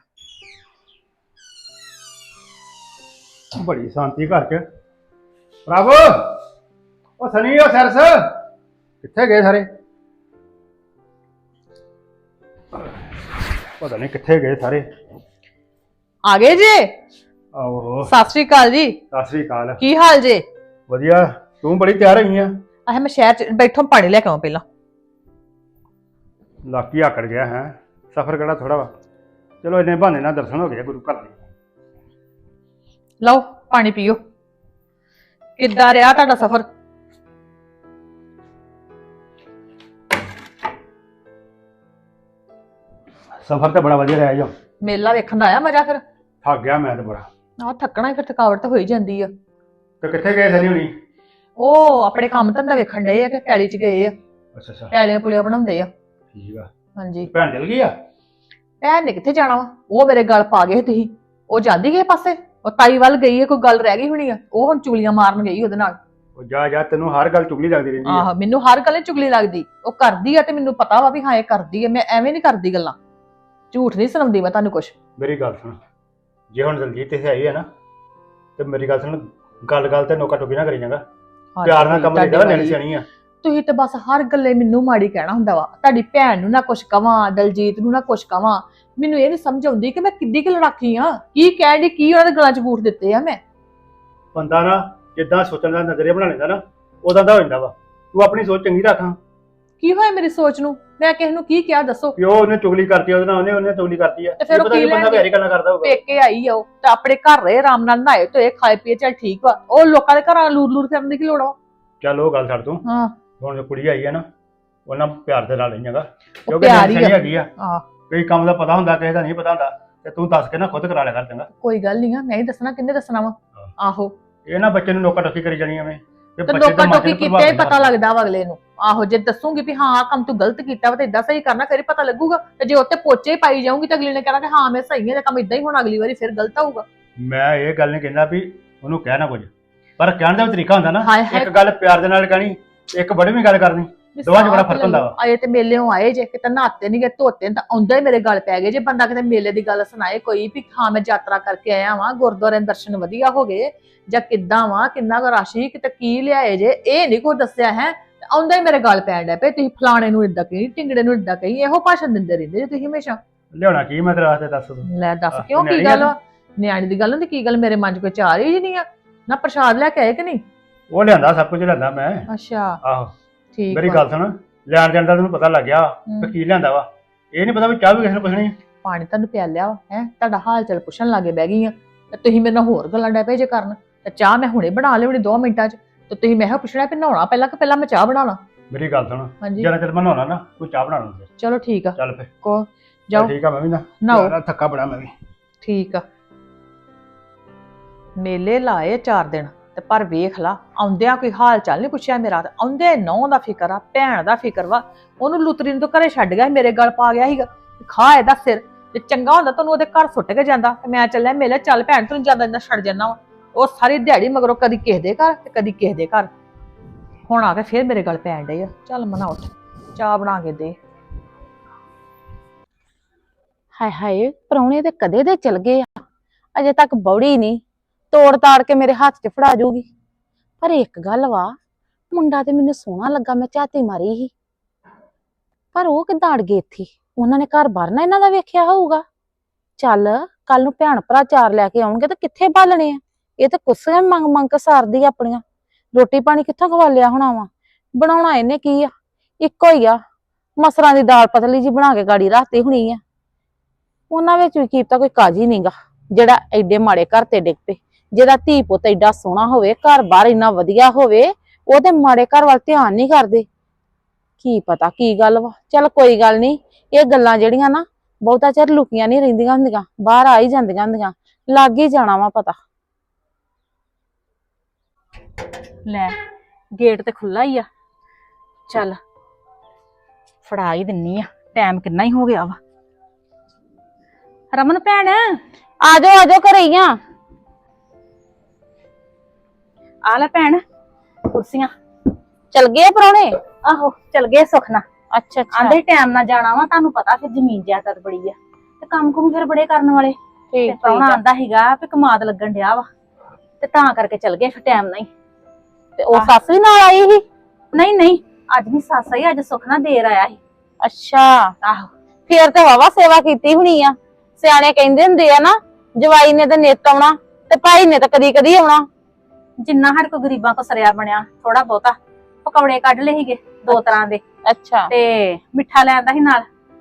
E: ਬੜੀ ਸ਼ਾਂਤੀ ਘਰ ਚ। ਪ੍ਰਭ ਉਹ ਸਨੀ ਉਹ ਸਰਸ ਕਿੱਥੇ ਗਏ ਸਾਰੇ? ਪਤਾ ਨਹੀਂ ਕਿੱਥੇ ਗਏ ਸਾਰੇ।
A: ਆ ਗਏ ਜੇ?
E: ਆਹੋ
A: ਸਤਿ ਸ੍ਰੀ ਅਕਾਲ ਜੀ।
E: ਸਤਿ ਸ੍ਰੀ ਅਕਾਲ।
A: ਕੀ ਹਾਲ ਜੇ?
E: ਵਧੀਆ, ਤੂੰ ਬੜੀ ਤਿਆਰ ਹੋਈ ਆ।
A: ਆਹ ਮੈਂ ਸ਼ਹਿਰ ਚ ਬੈਠੋ, ਪਾਣੀ ਲੈ ਕੇ ਆਵਾਂ ਪਹਿਲਾਂ।
E: ਲਾਕੀ ਆਕੜ ਗਿਆ ਹੈ, ਸਫ਼ਰ ਕਿਹੜਾ ਥੋੜਾ ਵਾ। ਚਲੋ ਇੰਨੇ ਬਹਾਨੇ ਨਾਲ ਦਰਸ਼ਨ ਹੋ ਗਏ ਗੁਰੂ ਘਰ ਦੇ।
F: ਲਓ ਪਾਣੀ ਪੀਓ। ਕਿੱਦਾਂ ਰਿਹਾ ਤੁਹਾਡਾ ਸਫ਼ਰ?
E: ਸਫ਼ਰ ਤੇ ਬੜਾ ਵਧੀਆ ਰਿਹਾ ਜੋ।
F: ਮੇਲਾ ਵੇਖਣ ਦਾ ਆਇਆ ਮਜ਼ਾ ਫਿਰ?
E: ਥੱਕ ਗਿਆ ਮੈਂ ਤੇ ਬੜਾ।
F: ਆਹ ਥੱਕਣਾ ਹੀ ਫਿਰ, ਥਕਾਵਟ ਤਾਂ ਹੋ ਹੀ ਜਾਂਦੀ ਆ।
E: ਤੇ ਕਿੱਥੇ ਗਏ ਸਨੀ ਹੁਣੀ?
F: ਉਹ ਆਪਣੇ ਕੰਮ ਧੰਦਾ ਵੇਖਣ ਡਏ ਆ ਕਿ ਪੈਲੀ ਚ ਗਏ ਆ,
E: ਅੱਛਾ ਅੱਛਾ
F: ਪੈਲੀਆਂ ਪੁਲੀਆਂ ਬਣਾਉਂਦੇ ਆ।
E: ਠੀਕ ਆ।
F: ਹਾਂਜੀ।
E: ਭੈਣ ਚਲ ਗਈ ਆ?
F: ਭੈਣ ਨੇ ਕਿੱਥੇ ਜਾਣਾ ਵਾ, ਉਹ ਮੇਰੇ ਗੱਲ ਪਾ ਗਏ ਤੁਸੀਂ। ਉਹ ਜਾਂਦੀ ਗਏ ਪਾਸੇ, ਉਹ ਤਾਈ ਵੱਲ ਗਈ ਹੈ, ਕੋਈ ਗੱਲ ਰਹਿ ਗਈ ਹੋਣੀ ਆ, ਉਹ ਹੁਣ ਚੁਗਲੀਆਂ ਮਾਰਨ ਗਈ ਉਹਦੇ ਨਾਲ।
E: ਉਹ ਜਾ ਜਾ, ਤੈਨੂੰ ਹਰ ਗੱਲ ਚੁਗਲੀ ਲੱਗਦੀ ਰਹਿੰਦੀ ਆ।
F: ਆਹ ਮੈਨੂੰ ਹਰ ਗੱਲ ਚੁਗਲੀ ਲੱਗਦੀ, ਉਹ ਕਰਦੀ ਆ ਤੇ ਮੈਨੂੰ ਪਤਾ ਵਾ ਵੀ ਹਾਂ ਇਹ ਕਰਦੀ ਆ, ਮੈਂ ਐਵੇਂ ਨਹੀਂ ਕਰਦੀ ਗੱਲਾਂ, ਝੂਠ ਨਹੀਂ ਸੁਣਾਉਂਦੀ ਮੈਂ ਤੁਹਾਨੂੰ ਕੁਛ।
E: ਮੇਰੀ ਗੱਲ ਸੁਣ, ਜੇ ਹੁਣ ਦਲਜੀਤ ਇੱਥੇ ਆਈ ਹੈ ਨਾ ਤੇ ਮੇਰੀ ਗੱਲ ਸੁਣ, ਗੱਲ ਗੱਲ ਤੇ ਨੋਕਾ ਟੋਕੀ ਨਾ ਕਰੀ ਜਾਂਗਾ। ਪਿਆਰ ਨਾਲ ਕੰਮ ਲੈਂਦਾ, ਨਿਆਣੀ ਸਿਆਣੀ ਆ।
F: ਤੁਸੀਂ ਤੇ ਬਸ ਹਰ ਗੱਲੇ ਮੈਨੂੰ ਮਾੜੀ ਕਹਿਣਾ ਹੁੰਦਾ ਵਾ। ਤੁਹਾਡੀ ਭੈਣ ਨੂੰ ਨਾ ਕੁਛ ਕਵਾਂ, ਦਲਜੀਤ ਨੂੰ ਨਾ ਕੁਛ ਕਵਾਂ, ਮੈਨੂੰ ਇਹ ਨਹੀਂ ਸਮਝ ਆਉਂਦੀ ਕਿ ਮੈਂ ਕਿੱਡੀ ਕਿ ਲੜਾਕੀ ਆ। ਕੀ ਕਹਿਣ ਦੀ, ਕੀ ਉਹਨਾਂ ਦੇ ਗਲਾਂ 'ਚ ਬੂਟ ਦਿੱਤੇ ਆ ਮੈਂ?
E: ਬੰਦਾ ਨਾ ਜਿੱਦਾਂ ਸੋਚਣ ਦਾ ਨਜ਼ਰੀਆ ਬਣਾ ਲੈਂਦਾ ਨਾ, ਉਦਾਂ ਦਾ ਹੋ ਜਾਂਦਾ ਵਾ। ਤੂੰ ਆਪਣੀ ਸੋਚ ਚੰਗੀ ਰੱਖਾਂ।
F: ਕੀ ਹੋਇਆ ਮੇਰੀ ਸੋਚ ਨੂੰ? ਮੈਂ ਕਿਸੇ ਨੂੰ ਕੀ ਕਿਹਾ ਦੱਸੋ?
E: ਪਿਓ ਉਹਨੇ ਚੁਗਲੀ ਕਰਤੀ, ਉਹਦੇ ਨਾਲ ਉਹਨੇ ਉਹਨੇ ਚੁਗਲੀ ਕਰਤੀ ਆ।
F: ਤੇ ਫਿਰ ਉਹ
E: ਪਤਾ
F: ਕੀ
E: ਕੀ ਬੰਦਾ
F: ਲੈਣਗੇ?
E: ਪਿਆਰੀ ਗੱਲਾਂ ਕਰਦਾ ਹੋਊਗਾ।
F: ਪੇਕੇ ਆਈ ਆ ਉਹ ਤੇ ਆਪਣੇ ਘਰ ਰਹੇ ਆਰਾਮ ਨਾਲ, ਨਹਾਏ ਧੋਏ ਖਾਏ ਪੀਏ, ਚੱਲ ਠੀਕ ਵਾ। ਉਹ ਲੋਕਾਂ ਦੇ ਘਰਾਂ ਲੂਰ ਲੂਰ ਕਰਨ ਦੀ ਕੀ ਲੋੜ ਆ?
E: ਚੱਲ ਉਹ ਗੱਲ ਛੱਡ ਤੂੰ।
F: ਹਾਂ
E: ਹੁਣ ਜੋ ਕੁੜੀ ਆਈ ਆ ਨਾ, ਉਹਨਾਂ ਪਿਆਰ ਦੇ ਨਾਲ ਲੈਣਾਗਾ,
F: ਉਹ
E: ਕਿਉਂਕਿ
F: ਪਿਆਰ ਹੀ
E: ਨਿਆਣੀ
F: ਆ।
E: ਹੈਗੀ ਆ।
F: ਆਹ
E: ਕਈ ਕੰਮ ਦਾ ਪਤਾ ਹੁੰਦਾ, ਕਿਸੇ ਦਾ ਨਹੀਂ ਪਤਾ ਹੁੰਦਾ, ਤੇ ਤੂੰ ਦੱਸ ਕੇ ਨਾ ਖੁਦ ਕਰਾ ਲਿਆ ਕਰ ਚੰਗਾ।
F: ਕੋਈ ਗੱਲ ਨਹੀਂ ਆ, ਮੈਂ ਹੀ ਦੱਸਣਾ, ਕਿੰਨੇ ਦੱਸਣਾ ਵਾ? ਆਹੋ
E: ਇਹ ਨਾ ਬੱਚੇ ਨੂੰ ਨੋਕਾ ਟੋਕੀ ਕਰੀ ਜਾਣੀ ਐਵੇਂ,
F: ਤੇ ਲੋਕਾਂ ਟੋਕੀ ਕੀਤੇ ਹੀ ਪਤਾ ਲੱਗਦਾ ਵਾ ਅਗਲੇ ਨੂੰ। ਆਹੋ ਜੇ ਦੱਸੂਗੀ ਵੀ ਹਾਂ ਆਹ ਕੰਮ ਤੂੰ ਗਲਤ ਕੀਤਾ ਵਾ ਤੇ ਇਦਾਂ ਸਹੀ ਕਰਨਾ, ਫਿਰ ਹੀ ਪਤਾ ਲੱਗੂਗਾ। ਤੇ ਜੇ ਉੱਤੇ ਪੋਚੇ ਹੀ ਪਾਈ ਜਾਊਂਗੀ ਤਾਂ ਅਗਲੇ ਨੇ ਕਹਿਣਾ ਕਿ ਹਾਂ ਮੈਂ ਸਹੀ ਹਾਂ, ਤੇ ਕੰਮ ਇਦਾਂ ਹੀ ਹੋਣਾ, ਅਗਲੀ ਵਾਰੀ ਫਿਰ ਗਲਤ ਆਊਗਾ।
E: ਮੈਂ ਇਹ ਗੱਲ ਨਹੀਂ ਕਹਿੰਦਾ ਵੀ ਉਹਨੂੰ ਕਹਿਣਾ ਕੁਝ, ਪਰ ਕਹਿਣ ਦਾ ਵੀ ਤਰੀਕਾ ਹੁੰਦਾ ਨਾ।
F: ਹਾਏ ਹਾਏ
E: ਇੱਕ ਗੱਲ ਪਿਆਰ ਦੇ ਨਾਲ ਕਹਿਣੀ, ਇੱਕ ਬੜੀ ਵੀ ਗੱਲ ਕਰਨੀ, ਦੋਵਾਂ 'ਚ ਬੜਾ ਫਰਕ ਹੁੰਦਾ ਵਾ।
F: ਆਏ ਤੇ ਮੇਲਿਓਂ ਆਏ ਜੇ, ਕਿਤੇ ਨਹਾਤੇ ਨਹੀਂ ਗਏ, ਧੋਤੇ ਤਾਂ ਆਉਂਦਾ ਹੀ ਮੇਰੇ ਗੱਲ ਪੈ ਗਏ ਜੇ। ਬੰਦਾ ਕਿਤੇ ਮੇਲੇ ਦੀ ਗੱਲ ਸੁਣਾਏ ਕੋਈ ਵੀ ਹਾਂ ਮੈਂ ਯਾਤਰਾ ਕਰਕੇ ਆਇਆ ਵਾਂ, ਗੁਰਦੁਆਰੇ ਦੇ ਦਰਸ਼ਨ ਵਧੀਆ ਹੋ ਗਏ, ਜਾਂ ਕਿੱਦਾਂ ਵਾਂ, ਕਿੰਨਾ ਕੁ ਰਸ਼ ਸੀ, ਕਿਤੇ ਕੀ ਲਿਆਏ ਜੇ, ਇਹ ਨਹੀਂ ਕੋਈ ਦੱਸਿਆ ਹੈ, ਆਉਂਦਾ ਹੀ ਮੇਰੇ ਗੱਲ ਪੈਣ ਡਿਆ ਪਏ। ਤੁਸੀਂ ਫਲਾਣੇ ਨੂੰ ਏਦਾਂ ਕਹੀ, ਢਿੰਗੜੇ ਨੂੰ ਏਦਾਂ ਕਹੀ, ਇਹੋ ਭਾਸ਼ਣ ਦਿੰਦੇ ਰਹਿੰਦੇ ਜੇ ਤੁਸੀਂ ਹਮੇਸ਼ਾ।
E: ਲਿਆਉਣਾ ਕੀ ਮੈਂ ਤੇਰੇ ਵਾਸਤੇ, ਦੱਸ ਤੂੰ।
F: ਲੈ ਦੱਸ
E: ਆਹ,
F: ਕਿਉਂ, ਕੀ
E: ਨਿਆਣੀ
F: ਗੱਲ
E: ਆ
F: ਵਾ? ਨਿਆਣੀ ਦੀ ਗੱਲ ਹੁੰਦੀ, ਕੀ ਗੱਲ ਮੇਰੇ ਮਨ 'ਚ ਕੋਈ ਚਾਰ ਹੀ ਨਹੀਂ ਆ ਨਾ? ਪ੍ਰਸ਼ਾਦ ਲੈ ਕੇ ਆਏ ਕਿ ਨਹੀਂ?
E: ਉਹ ਲਿਆਂਦਾ, ਸਭ ਕੁਝ ਲਿਆਂਦਾ ਮੈਂ।
F: ਅੱਛਾ
E: ਆਹੋ
F: ਠੀਕ
E: ਮੇਰੀ
F: ਵਾ।
E: ਗੱਲ ਸੁਣ, ਲੈਣ ਜਾਣ ਦਾ ਤੈਨੂੰ ਪਤਾ ਲੱਗ ਗਿਆ
F: ਹੂੰ।
E: ਕਿ ਕੀ ਲਿਆਂਦਾ ਵਾ। ਇਹ ਨਹੀਂ ਪਤਾ ਵੀ ਚਾਹ ਵੀ ਕਿਸੇ ਨੂੰ ਪੁੱਛਣੀ।
F: ਪਾਣੀ ਤੁਹਾਨੂੰ ਪਿਆ ਲਿਆ ਵਾ ਹੈ, ਤੁਹਾਡਾ ਹਾਲ ਚਾਲ ਪੁੱਛਣ ਲੱਗੇ ਬਹਿ ਗਈ ਆ, ਤੇ ਤੁਸੀਂ ਮੇਰੇ ਨਾਲ ਹੋਰ ਗੱਲਾਂ ਡੈ ਪਏ ਜੇ ਕਰਨ। ਤੇ ਚਾਹ ਮੈਂ ਹੁਣੇ ਬਣਾ ਲਿਆਉਣੀ ਦੋ ਮਿੰਟਾਂ 'ਚ, ਤੇ ਤੁਸੀਂ ਮੈਂ ਕਿਹਾ ਪੁੱਛਣਾ ਵੀ ਨਹਾਉਣਾ ਪਹਿਲਾਂ ਕਿ ਪਹਿਲਾਂ ਮੈਂ ਚਾਹ ਬਣਾਉਣਾ?
E: ਮੇਰੀ ਗੱਲ ਸੁਣ,
F: ਹਾਂਜੀ
E: ਜਦੋਂ ਤੇਰੇ ਬਣਾਉਣਾ ਨਾ, ਤੂੰ ਚਾਹ ਬਣਾ ਲੈ।
F: ਚਲੋ ਠੀਕ ਆ,
E: ਚੱਲ ਫੇ
F: ਕੋ ਜਾਓ
E: ਠੀਕ ਆ, ਮੈਂ ਵੀ ਨਾ
F: ਨਹਾਓ।
E: ਯਾਰ, ਥੱਕਾ ਬੜਾ ਮੈਂ ਵੀ।
F: ਠੀਕ ਆ। ਮੇਲੇ ਲਾਏ ਚਾਰ ਦਿਨ ਤੇ ਪਰ ਵੇਖ ਲਾ, ਆਉਂਦਿਆਂ ਕੋਈ ਹਾਲ ਚਾਲ ਨਹੀਂ ਪੁੱਛਿਆ ਮੇਰਾ। ਤੇ ਆਉਂਦੇ ਨੌਂ ਦਾ ਫਿਕਰ ਆ, ਭੈਣ ਦਾ ਫਿਕਰ ਵਾ। ਉਹਨੂੰ ਲੁਤਰੀ ਨੂੰ ਤਾਂ ਘਰੇ ਛੱਡ ਗਿਆ ਸੀ, ਮੇਰੇ ਗੱਲ ਪਾ ਗਿਆ ਸੀਗਾ, ਖਾ ਇਹਦਾ ਸਿਰ। ਤੇ ਚੰਗਾ ਹੁੰਦਾ ਤੁਹਾਨੂੰ ਉਹਦੇ ਘਰ ਸੁੱਟ ਕੇ ਜਾਂਦਾ, ਤੇ ਮੈਂ ਚੱਲਿਆ ਮੇਲੇ। ਚੱਲ ਭੈਣ ਤੈਨੂੰ ਜਾਂਦਾ ਇੰਨਾ ਛੱਡ ਜਾਣਾ ਵਾ। ਉਹ ਸਾਰੀ ਦਿਹਾੜੀ ਮਗਰੋਂ ਕਦੀ ਕਿਸੇ ਦੇ ਘਰ ਤੇ ਕਦੀ ਕਿਸੇ ਦੇ ਘਰ, ਹੁਣ ਆ ਕੇ ਫੇਰ ਮੇਰੇ ਗੱਲ ਪੈਣ ਡਈ ਆ। ਚੱਲ ਮਨਾ ਉੱਠ, ਚਾਹ ਬਣਾ ਕੇ ਦੇ।
A: ਹਾਏ ਹਾਏ, ਪ੍ਰਾਹੁਣੇ ਤੇ ਕਦੇ ਦੇ ਚਲ ਗਏ ਆ, ਅਜੇ ਤੱਕ ਬੌੜੀ ਨਹੀਂ, ਤੋੜ ਤਾੜ ਕੇ ਮੇਰੇ ਹੱਥ 'ਚ ਫੜਾ ਜੂਗੀ। ਪਰ ਇੱਕ ਗੱਲ ਵਾ, ਮੁੰਡਾ ਤੇ ਮੈਨੂੰ ਸੋਹਣਾ ਲੱਗਾ, ਮੈਂ ਝਾਤੀ ਮਾਰੀ ਸੀ, ਪਰ ਉਹ ਕਿੱਦਾਂ ਅੜ ਗਏ ਇੱਥੇ? ਉਹਨਾਂ ਨੇ ਘਰ ਬਾਹਰ ਨਾ ਇਹਨਾਂ ਦਾ ਵੇਖਿਆ ਹੋਊਗਾ। ਚੱਲ ਕੱਲ ਨੂੰ ਭੈਣ ਭਰਾ ਚਾਰ ਲੈ ਕੇ ਆਉਣਗੇ ਤਾਂ ਕਿੱਥੇ ਬਾਲਣੇ ਆ? ਇਹ ਤਾਂ ਕੁੱਸੀਆਂ ਮੰਗ ਮੰਗ ਕੇ ਸਾਰਦੀ ਆ ਆਪਣੀਆਂ। ਰੋਟੀ ਪਾਣੀ ਕਿੱਥੋਂ ਖਵਾ ਲਿਆ ਹੋਣਾ ਵਾ? ਬਣਾਉਣਾ ਇਹਨੇ ਕੀ ਆ? ਇੱਕੋ ਹੀ ਆ, ਮਸਰਾਂ ਦੀ ਦਾਲ ਪਤਲੀ ਜੀ ਬਣਾ ਕੇ ਗਾੜੀ ਰੱਖਤੀ ਹੋਣੀ ਆ। ਉਹਨਾਂ ਵਿੱਚ ਵੀ ਕੀਤਾ ਕੋਈ ਕਾਜੀ ਨਹੀਂਗਾ ਜਿਹੜਾ ਐਡੇ ਮਾੜੇ ਘਰ ਤੇ ਡਿੱਗ ਪਏ। ਜਿਹਦਾ ਧੀ ਪੁੱਤ ਐਡਾ ਸੋਹਣਾ ਹੋਵੇ, ਘਰ ਬਾਹਰ ਇੰਨਾ ਵਧੀਆ ਹੋਵੇ, ਉਹਦੇ ਮਾੜੇ ਘਰ ਵੱਲ ਧਿਆਨ ਨਹੀਂ ਕਰਦੇ। ਕੀ ਪਤਾ ਕੀ ਗੱਲ ਵਾ। ਚੱਲ ਕੋਈ ਗੱਲ ਨਹੀਂ, ਇਹ ਗੱਲਾਂ ਜਿਹੜੀਆਂ ਨਾ ਬਹੁਤਾ ਚਿਰ ਲੁਕੀਆਂ ਨਹੀਂ ਰਹਿੰਦੀਆਂ ਹੁੰਦੀਆਂ, ਬਾਹਰ ਆ ਹੀ ਜਾਂਦੀਆਂ ਹੁੰਦੀਆਂ, ਲੱਗ ਹੀ ਜਾਣਾ ਵਾ ਪਤਾ। ਲੈ ਗੇਟ ਤੇ ਖੁੱਲਾ ਹੀ ਆ, ਚੱਲ ਫੜਾ ਹੀ ਦਿੰਨੀ ਆ, ਟਾਈਮ ਕਿੰਨਾ ਹੀ ਹੋ ਗਿਆ ਵਾ। ਰਮਨ ਭੈਣ ਆ ਜਾਓ ਆ ਜਾਓ, ਘਰੇ ਹੀ ਆ। ਆ ਲੈ ਭੈਣ ਕੁਰਸੀਆਂ। ਚਲ ਗਏ ਪ੍ਰਾਹੁਣੇ? ਆਹੋ ਚਲ ਗਏ ਸੁਖਨਾ। ਅੱਛਾ ਅੱਛਾ, ਆਂਦੇ ਟਾਈਮ ਨਾਲ ਜਾਣਾ ਵਾ, ਤੁਹਾਨੂੰ ਪਤਾ ਫਿਰ ਜ਼ਮੀਨ ਜਾਇਦਾਦ ਬੜੀ ਆ ਤੇ ਕੰਮ ਕੁਮ ਫਿਰ ਬੜੇ ਕਰਨ ਵਾਲੇ। ਤੇ ਪ੍ਰਾਹੁਣਾ ਆਂਦਾ ਸੀਗਾ ਵੀ ਕਮਾਦ ਲੱਗਣ ਡਿਆ ਵਾ, ਤੇ ਤਾਂ ਕਰਕੇ ਚਲ ਗਏ ਫਿਰ ਟਾਈਮ ਨਾਲ ਹੀ। ਤੇ ਉਹ ਸੱਸ ਵੀ ਨਾਲ ਆਈ ਸੀ? ਨਹੀਂ ਨਹੀਂ, ਅੱਜ ਨਹੀਂ ਸੱਸ ਆਈ, ਅੱਜ ਸੁਖਨਾ ਦੇਰ ਆਇਆ ਸੀ। ਅੱਛਾ ਆਹੋ, ਫੇਰ ਤੇ ਵਾਵਾ ਸੇਵਾ ਕੀਤੀ ਹੋਣੀ ਆ। ਸਿਆਣੇ ਕਹਿੰਦੇ ਹੁੰਦੇ ਆ ਨਾ, ਜਵਾਈ ਨੇ ਤਾਂ ਨਿੱਤ ਆਉਣਾ ਤੇ ਭਾਈ ਨੇ ਤਾਂ ਕਦੀ ਕਦੀ ਆਉਣਾ। ਜਿੰਨਾ ਸਾਡੇ ਕੋਲ ਗਰੀਬਾਂ ਕੋ ਸਰਿਆ ਬਣਿਆ, ਥੋੜਾ ਬਹੁਤਾ ਪਕੌੜੇ ਕੱਢ ਲਏ ਸੀਗੇ ਦੋ ਤਰ੍ਹਾਂ ਦੇ। ਅੱਛਾ, ਤੇ ਮਿੱਠਾ ਲੈ ਆਂਦਾ ਸੀ ਨਾਲ।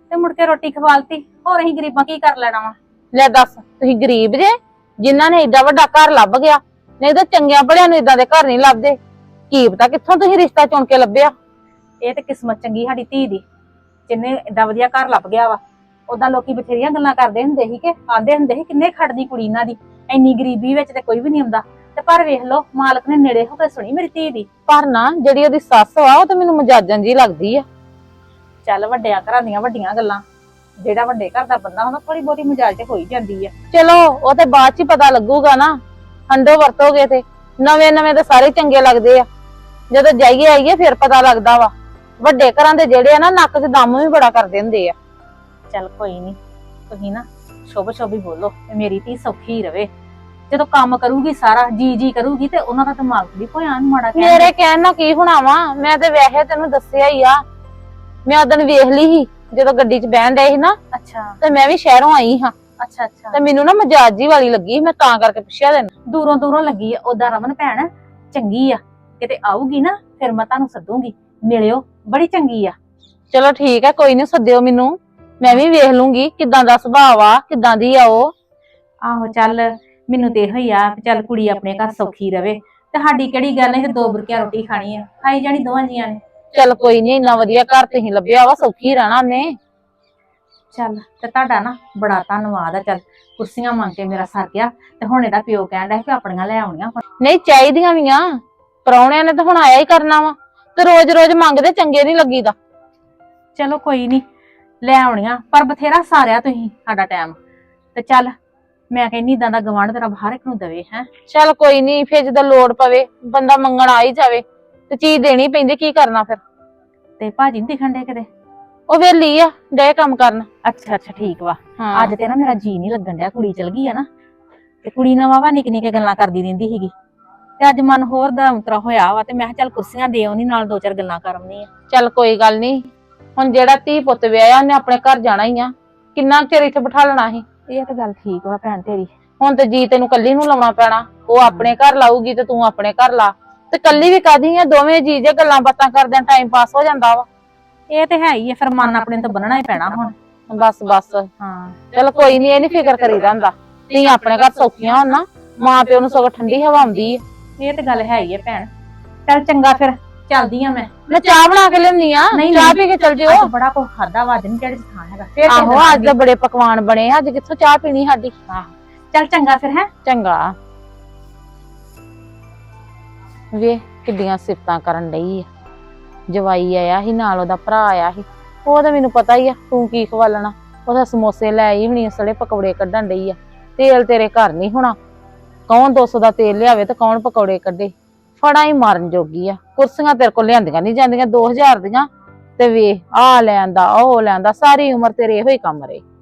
A: ਤੇ ਮੁੜ ਕੇ ਰੋਟੀ ਖਵਾਲਤੀ। ਹੋਰ ਅਸੀਂ ਗਰੀਬਾਂ ਕੀ ਕਰ ਲੈਣਾ ਵਾ?
G: ਲੈ ਦੱਸ, ਤੁਸੀਂ ਗਰੀਬ ਜੇ ਜਿਨ੍ਹਾਂ ਨੇ ਏਡਾ ਵੱਡਾ ਘਰ ਲੱਭ ਗਿਆ, ਨਹੀਂ ਤਾਂ ਚੰਗਿਆਂ ਭਲਿਆਂ ਨੂੰ ਇਦਾਂ ਦੇ ਘਰ ਨਹੀਂ ਲੱਭਦੇ। ਕੀ ਪਤਾ ਕਿੱਥੋਂ ਤੁਸੀਂ ਰਿਸ਼ਤਾ ਚੁਣ ਕੇ ਲੱਭਿਆ।
A: ਇਹ ਤੇ ਕਿਸਮਤ ਚੰਗੀ ਸਾਡੀ ਧੀ ਦੀ, ਜਿੰਨੇ ਏਡਾ ਵਧੀਆ ਘਰ ਲੱਭ ਗਿਆ ਵਾ। ਉਦਾਂ ਲੋਕੀ ਬਥੇਰੀਆਂ ਗੱਲਾਂ ਕਰਦੇ ਹੁੰਦੇ ਸੀ ਕਿ ਆਂਦੇ ਹੁੰਦੇ ਸੀ ਕਿੰਨੇ ਖੜਦੀ ਕੁੜੀ ਇਹਨਾਂ ਦੀ, ਇੰਨੀ ਗਰੀਬੀ ਵਿੱਚ ਤੇ ਕੋਈ ਵੀ ਨਹੀਂ ਆਉਂਦਾ। ਤੇ ਪਰ ਵੇਖ ਲਓ ਮਾਲਕ ਨੇ ਨੇੜੇ ਹੋ ਕੇ ਸੁਣੀ ਮੇਰੀ ਧੀ ਦੀ।
G: ਪਰ ਨਾ ਜਿਹੜੀ ਉਹਦੀ ਸੱਸ ਵਾ ਉਹ ਤਾਂ ਮੈਨੂੰ ਮਜਾਜਨ ਜੀ ਲੱਗਦੀ ਆ।
A: ਚੱਲ ਵੱਡਿਆਂ ਘਰਾਂ ਦੀਆਂ ਵੱਡੀਆਂ ਗੱਲਾਂ, ਜਿਹੜਾ ਵੱਡੇ ਘਰ ਦਾ ਬੰਦਾ ਹੁੰਦਾ ਥੋੜੀ ਬਹੁਤੀ ਮਜਾਲ ਤੇ ਹੋ ਹੀ ਜਾਂਦੀ ਆ।
G: ਚਲੋ ਉਹ ਤੇ ਬਾਅਦ ਚ ਹੀ ਪਤਾ ਲੱਗੂਗਾ ਨਾ, ਹੰਡੋ ਵਰਤੋਗੇ ਤੇ। ਨਵੇਂ ਨਵੇਂ ਤਾਂ ਸਾਰੇ ਚੰਗੇ ਲੱਗਦੇ ਆ, ਜਦੋਂ ਜਾਈਏ ਆਈਏ ਫਿਰ ਪਤਾ ਲੱਗਦਾ ਵਾ। ਵੱਡੇ ਘਰਾਂ ਦੇ ਜਿਹੜੇ ਆ ਨਾ ਨੱਕ 'ਚ ਦਮ ਵੀ ਬੜਾ ਕਰਦੇ ਹੁੰਦੇ ਆ।
A: ਚੱਲ ਕੋਈ ਨਹੀਂ, ਤੁਸੀਂ ਨਾ ਸ਼ੁਭ ਸ਼ੁਭ ਹੀ ਬੋਲੋ ਤੇ ਮੇਰੀ ਧੀ ਸੌਖੀ ਰਵੇ। ਜਦੋਂ ਕੰਮ ਕਰੂਗੀ ਸਾਰਾ ਜੀ ਜੀ ਕਰੂਗੀ ਤੇ ਉਹਨਾਂ ਦਾ ਦਿਮਾਗ ਵੀ ਕੋਈ ਆਨ ਮਾੜਾ ਕਹਿਣ
G: ਮੇਰੇ ਕਹਿਣ ਨਾਲ ਕੀ ਹੋਣਾ ਵਾ, ਮੈਂ ਤੇ ਵੈਸੇ ਤੈਨੂੰ ਦੱਸਿਆ ਹੀ ਆ। ਮੈਂ ਉਦੋਂ ਵੇਖ ਲਈ ਸੀ ਜਦੋਂ ਗੱਡੀ 'ਚ ਬਹਿਣ ਡਏ ਸੀ ਨਾ,
A: ਅੱਛਾ
G: ਤੇ ਮੈਂ ਵੀ ਸ਼ਹਿਰੋਂ ਆਈ ਹਾਂ
A: ਅੱਛਾ ਅੱਛਾ
G: ਤੇ ਮੈਨੂੰ ਨਾ ਮਜਾਜ ਜੀ ਵਾਲੀ ਲੱਗੀ, ਮੈਂ ਤਾਂ ਕਰਕੇ ਪੁੱਛਿਆ ਤੈਨੂੰ।
A: ਦੂਰੋਂ ਦੂਰੋਂ ਲੱਗੀ ਆ। ਉਦਾਂ ਰਮਨ ਭੈਣ ਚੰਗੀ ਆ, ਕਿਤੇ ਆਊਗੀ ਨਾ ਫਿਰ ਮੈਂ ਤੁਹਾਨੂੰ ਸੱਦੂਗੀ, ਮਿਲਿਓ, ਬੜੀ ਚੰਗੀ ਆ।
G: ਚਲੋ ਠੀਕ ਹੈ, ਕੋਈ ਨੀ, ਸੱਦਿਓ ਮੈਨੂੰ, ਮੈਂ ਵੀ ਵੇਖ ਲੂੰਗੀ ਕਿਦਾਂ ਦਾ ਸੁਭਾਅ ਆ, ਕਿਦਾਂ ਦੀ ਆ ਉਹ।
A: ਆਹੋ ਚੱਲ ਮੈਨੂੰ ਤੇ ਇਹੋ ਹੀ ਆ ਵੀ ਚੱਲ ਕੁੜੀ ਆਪਣੇ ਘਰ ਸੌਖੀ ਰਵੇ ਤੇ ਸਾਡੀ ਕਿਹੜੀ ਗੱਲ ਹੈ, ਦੋ ਬੁਰਕੀਆਂ ਰੋਟੀ ਖਾਣੀ ਆ, ਖਾਈ ਜਾਣੀ ਦੋਵਾਂ ਜੀਆਂ ਨੇ।
G: ਚੱਲ ਕੋਈ ਨੀ, ਇੰਨਾ ਵਧੀਆ ਘਰ ਤੁਸੀਂ ਲੱਭਿਆ ਵਾ, ਸੌਖੀ ਰਹਿਣਾ ਉਹਨੇ।
A: ਚੱਲ ਤੇ ਤੁਹਾਡਾ ਨਾ ਬੜਾ ਧੰਨਵਾਦ ਆ। ਚੱਲ ਕੁਰਸੀਆਂ ਮੰਗ ਕੇ ਮੇਰਾ ਸਰ ਗਿਆ ਤੇ ਹੁਣ ਇਹਦਾ ਪਿਓ ਕਹਿਣ ਡਿਆ ਕਿ ਆਪਣੀਆਂ ਲੈ ਆਉਣੀਆਂ।
G: ਨਹੀਂ ਚਾਹੀਦੀਆਂ ਵੀ ਆ, ਪ੍ਰਾਹੁਣਿਆਂ ਨੇ ਤਾਂ ਹੁਣ ਆਇਆ ਹੀ ਕਰਨਾ ਵਾ, ਤੇ ਰੋਜ਼ ਰੋਜ਼ ਮੰਗਦੇ ਚੰਗੇ ਨਹੀਂ ਲੱਗੀਦਾ।
A: ਚਲੋ ਕੋਈ ਨਹੀਂ ਲੈ ਆਉਣੀਆਂ, ਪਰ ਬਥੇਰਾ ਸਾਰਿਆ ਤੁਸੀਂ ਸਾਡਾ ਟਾਈਮ। ਤੇ ਚੱਲ ਮੈਂ ਕਹਿੰਨੀ ਇਦਾਂ ਦਾ ਗਵਾਂਢ ਤੇਰਾ ਹਰ ਇੱਕ ਨੂੰ ਦੇਵੇ ਹੈ।
G: ਚੱਲ ਕੋਈ ਨੀ, ਫਿਰ ਜਦੋਂ ਲੋੜ ਪਵੇ ਬੰਦਾ ਮੰਗਣ ਆ ਹੀ ਜਾਵੇ ਤੇ ਚੀਜ਼ ਦੇਣੀ ਪੈਂਦੀ, ਕੀ ਕਰਨਾ ਫਿਰ।
A: ਤੇ ਭਾਜੀ ਨੀ ਦਿਖਣ ਡੇ ਕਿਤੇ?
G: ਉਹ ਵੇਲੀ ਆ, ਡੇ ਕੰਮ ਕਰਨ।
A: ਅੱਛਾ ਅੱਛਾ ਠੀਕ ਵਾ।
G: ਹਾਂ
A: ਅੱਜ ਤੇ ਨਾ ਮੇਰਾ ਜੀ ਨਹੀਂ ਲੱਗਣ ਡਿਆ, ਕੁੜੀ ਚਲ ਗਈ ਆ ਨਾ, ਤੇ ਕੁੜੀ ਨਾਲ ਵਾਵਾ ਨਿੱਕੀ ਨਿੱਕੀ ਗੱਲਾਂ ਕਰਦੀ ਰਹਿੰਦੀ ਸੀਗੀ, ਤੇ ਅੱਜ ਮਨ ਹੋਰ ਦਾ ਉਤਰਾ ਹੋਇਆ ਵਾ, ਤੇ ਮੈਂ ਕਿਹਾ ਚੱਲ ਕੁਰਸੀਆਂ ਦੇ ਆਉਣੀ, ਨਾਲ ਦੋ ਚਾਰ ਗੱਲਾਂ ਕਰ ਆਉਣੀ ਆ।
G: ਚੱਲ ਕੋਈ ਗੱਲ ਨੀ, ਹੁਣ ਜਿਹੜਾ ਧੀ ਪੁੱਤ ਵਿਆਹਿਆ ਉਹਨੇ ਆਪਣੇ ਘਰ ਜਾਣਾ ਹੀ ਆ, ਕਿੰਨਾ ਕੁ ਚਿਰ ਇੱਥੇ ਬਿਠਾ ਲੈਣਾ ਸੀ।
A: ਇਹ ਤਾਂ ਗੱਲ ਠੀਕ ਵਾ ਭੈਣ ਤੇਰੀ।
G: ਹੁਣ ਤੇ ਜੀ ਤੈਨੂੰ ਕੱਲੀ ਨੂੰ ਲਾਉਣਾ ਪੈਣਾ, ਉਹ ਆਪਣੇ ਘਰ ਲਾਊਗੀ ਤੇ ਤੂੰ ਆਪਣੇ ਘਰ ਲਾ, ਤੇ ਕੱਲੀ ਵੀ ਕਾਦੀ ਆ, ਦੋਵੇਂ ਜੀ ਜੇ ਗੱਲਾਂ ਬਾਤਾਂ ਕਰਦੇ ਟਾਈਮ ਪਾਸ ਹੋ ਜਾਂਦਾ ਵਾ।
A: ਇਹ ਤੇ ਹੈ ਹੀ ਆ, ਫਿਰ ਮਨ ਆਪਣੇ ਤੋਂ ਬੰਨਣਾ ਹੀ ਪੈਣਾ ਹੁਣ।
G: ਬਸ ਬਸ,
A: ਹਾਂ
G: ਚਲ ਕੋਈ ਨੀ, ਇਹ ਨੀ ਫਿਕਰ ਕਰੀਦਾ ਹੁੰਦਾ, ਧੀ ਆਪਣੇ ਘਰ ਸੌਖੀਆਂ ਹੋਣ ਨਾ, ਮਾਂ ਪਿਓ ਨੂੰ ਸਗੋਂ ਠੰਡੀ ਹਵਾ ਆਉਂਦੀ ਆ।
A: ਇਹ ਤੇ ਗੱਲ ਹੈ ਹੀ ਆ ਭੈਣ। ਚੱਲ ਚੰਗਾ ਫਿਰ ਚੱਲਦੀ ਆ ਮੈਂ।
G: ਮੈਂ ਚਾਹ ਬਣਾ ਕੇ ਲਿਆਉਣੀ ਆ,
A: ਨਹੀਂ,
G: ਚਾਹ
A: ਨਹੀਂ।
G: ਪੀ ਕੇ ਚੱਲ ਜਿਓ।
A: ਅੱਜ ਬੜਾ ਕੁਝ ਖਾਦਾ ਵਾ, ਦਿਨ ਕਿਹੜੇ ਥਾਂ ਹੈਗਾ ਫਿਰ।
G: ਆਹੋ ਅੱਜ ਤਾਂ ਬੜੇ ਪਕਵਾਨ ਬਣੇ ਆ, ਅੱਜ ਕਿੱਥੋਂ ਚਾਹ ਪੀਣੀ ਸਾਡੀ।
A: ਚੱਲ ਚੰਗਾ ਫਿਰ ਹੈ।
G: ਚੰਗਾ। ਵੇ ਕਿੱਡੀਆਂ ਸਿਫਤਾਂ ਕਰਨ ਡਈ ਆ, ਜਵਾਈ ਆਇਆ ਸੀ ਨਾਲ, ਉਹਦਾ ਭਰਾ ਆਇਆ ਸੀ, ਉਹ ਤਾਂ ਮੈਨੂੰ ਪਤਾ ਹੀ ਆ ਤੂੰ ਕੀ ਖਵਾਲਣਾ। ਉਹਦਾ ਸਮੋਸੇ ਲੈ ਆਈ ਹੋਣੀ, ਸੜੇ ਪਕੌੜੇ ਕੱਢਣ ਡਈ ਆ। ਤੇਲ ਤੇਰੇ ਘਰ ਨਹੀਂ ਹੋਣਾ, ਕੌਣ ਦੋ ਸੌ ਦਾ ਤੇਲ ਲਿਆਵੇ ਤੇ ਕੌਣ ਪਕੌੜੇ ਕੱਢੇ, ਫੜਾ ਹੀ ਮਾਰਨ ਜੋਗੀ ਆ। ਕੁਰਸੀਆਂ ਤੇਰੇ ਕੋਲ ਲਿਆਂਦੀਆਂ ਨਹੀਂ ਜਾਂਦੀਆਂ ਦੋ ਹਜ਼ਾਰ ਦੀਆਂ, ਤੇ ਵੇ ਆ ਲੈਂਦਾ ਉਹ ਲੈਂਦਾ, ਸਾਰੀ ਉਮਰ ਤੇਰੇ ਇਹੋ ਹੀ ਕੰਮ ਰਹੇ।